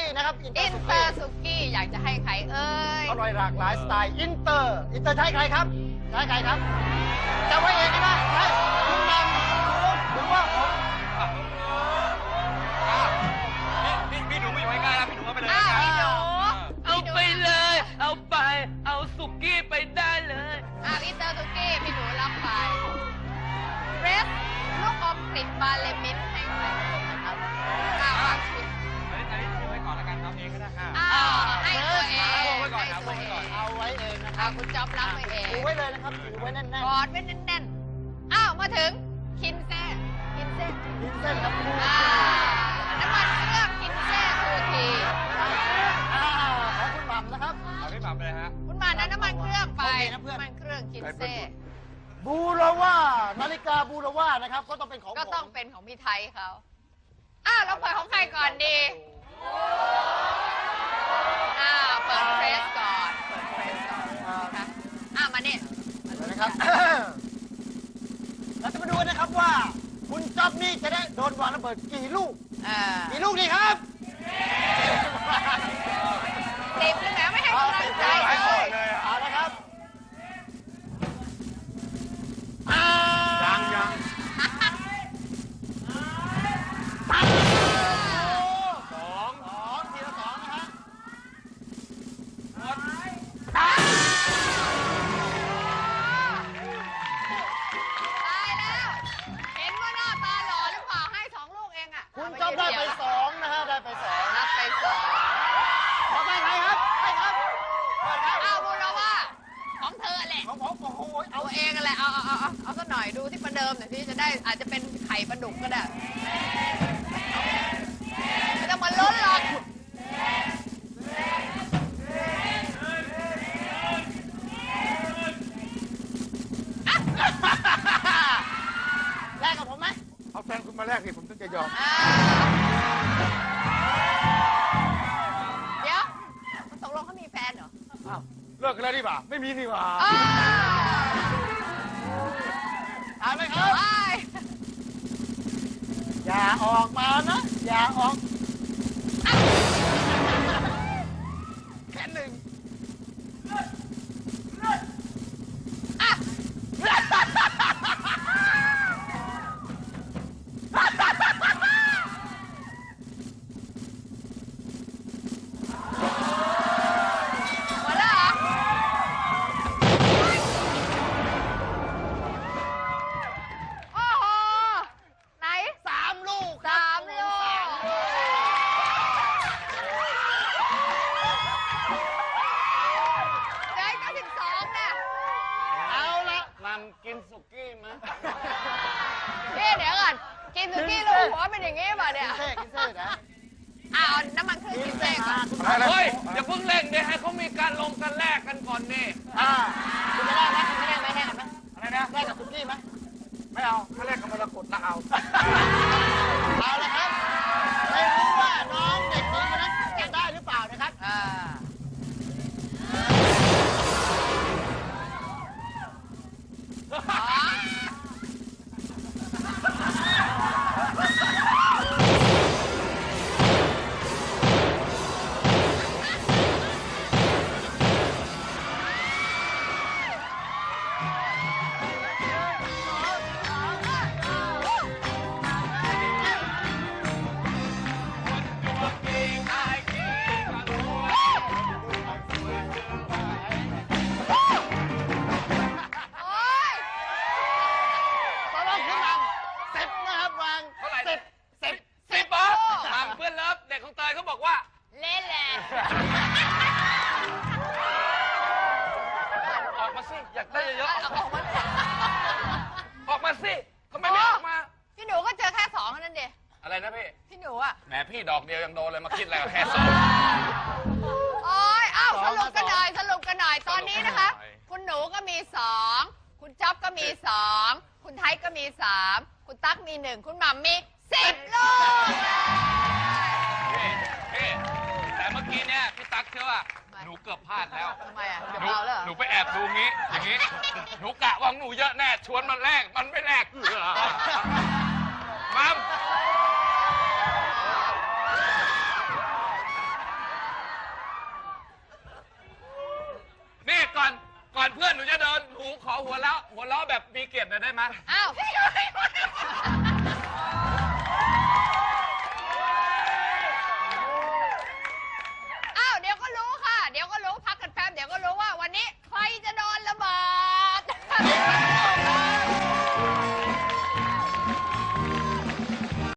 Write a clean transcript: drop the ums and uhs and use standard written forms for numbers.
นะครับอินเตอร์สุกี้อยากจะให้ใครเอ่ยอร่อยหลากหลายสไตล์อินเตอร์ใช้ใครครับใช้ใครครับจะไว้เองใช่ไหมใช่คุณนำหรือว่าผมพี่หนูไม่อยู่ใกล้ๆนะพี่หนูเอาไปเลยพี่หนูเอาไปเลยเอาไปเอาสุกี้ไปได้เลยอินเตอร์สุกี้พี่หนูรับไปเรสลูกอมกลิ่นบาเลมินให้ใครนะครับวางชิ้นอันนี้ทิ้งไว้ก่อนแล้วกันครับเองก็ได้ค่ะให้ตัวเองเอาไว้ก่อนครับเอาไว้เองนะครับคุณจ๊อบรับไว้เองถือไว้เลยนะครับถือไว้แน่นๆกอดไว้แน่นๆมาถึงคินเซ่ครับน้ำมันเครื่องคินเซ่ทูทีของคุณหม่ำนะครับเอาพี่หม่ำเลยฮะคุณหม่ำน้ำมันเครื่องไปน้ำมันเครื่องคินเซ่บูราว่านาฬิกาบูราว่านะครับก็ต้องเป็นของก็ต้องเป็นของพี่ไทยเขาเราเปิดของใครก่อนดีเปิดเฟรสก่อนนะคะมาเนี่ยนะครับเราจะมาดูนะครับว่าคุณจ๊อบนี่จะได้โดนวางระเบิดกี่ลูกดีครับ 10เลยแหมไม่ให้กำลังใจเลยเอาละครับยังทีละสองนะฮะตายแล้วเห็นว่าหน้าตาหล่อหรือเปล่าให้2 ลูกเองคุณจ๊อบได้ไป2นะฮะได้ไป2 รับไป2 ต่อไปใครครับบูราว่าของเธอแหละของผมโอ้โหเอาเองแหละเอาสักหน่อยดูที่ประเดิมหน่อยที่จะได้อาจจะเป็นไข่ปลาดุกก็ได้ไม่ต้องมาล้นหรอกแลกกับผมไหมเอาแฟนคุณมาแลกสิผมถึงจะยอมเดี๋ยวตกลงเขามีแฟนเหรอเลิกกันแล้วดิบ่าไม่มีนี่บ่าถามไหมครับอย่าออกมานะอย่าออกแค่1 กินสุกี้มั้ยเดี๋ยวก่อนกินสุกี้ลูกหัวเป็นอย่างงี้ป่ะเนี่ยกินเซ่นะเอาน้ำมันเครื่องกินเซ่ก่อนเฮ้ยอย่าเพิ่งเร่งเดี๋ยวให้เขามีการลงกันแลกกันก่อนนี่คุณจะแลกไหมคุณจะแลกไหมแลกกันไหมอะไรนะแลกกับสุกี้ไหมไม่เอาถ้าแลกกับมรกตละเอาละครับไม่รู้ว่าน้องเด็กหญิงคนนั้นจะได้หรือเปล่านะครับอยากได้เยอะออกมาสิทำไมไม่ออกมาพี่หนูก็เจอแค่2นั่นเดียอะไรนะพี่หนูอ่ะแหมพี่ดอกเดียวยังโดนเลยมาคิดอะไรกับแค่2 โอ้ยสรุปกันหน่อยตอนนี้นะคะคุณหนูก็มี2คุณจ๊อบก็มี2คุณไทยก็มี3คุณตั๊กมี1คุณหม่ำมี10 ลูกแต่เมื่อกี้เนี่ยพี่ตั๊กเชื่อว่าหนูเกือบพลาดแล้วทำไมเกือบเอาแล้วหนูไปแอบดูงี้อย่างนี้หนูกะว่าหนูเยอะแน่ชวนมันแลกมันไม่แลกมัมเพื่อนหนูจะเดินหนูขอหัวเราะแบบมีเกียรติหน่อยได้ไหมอ้าว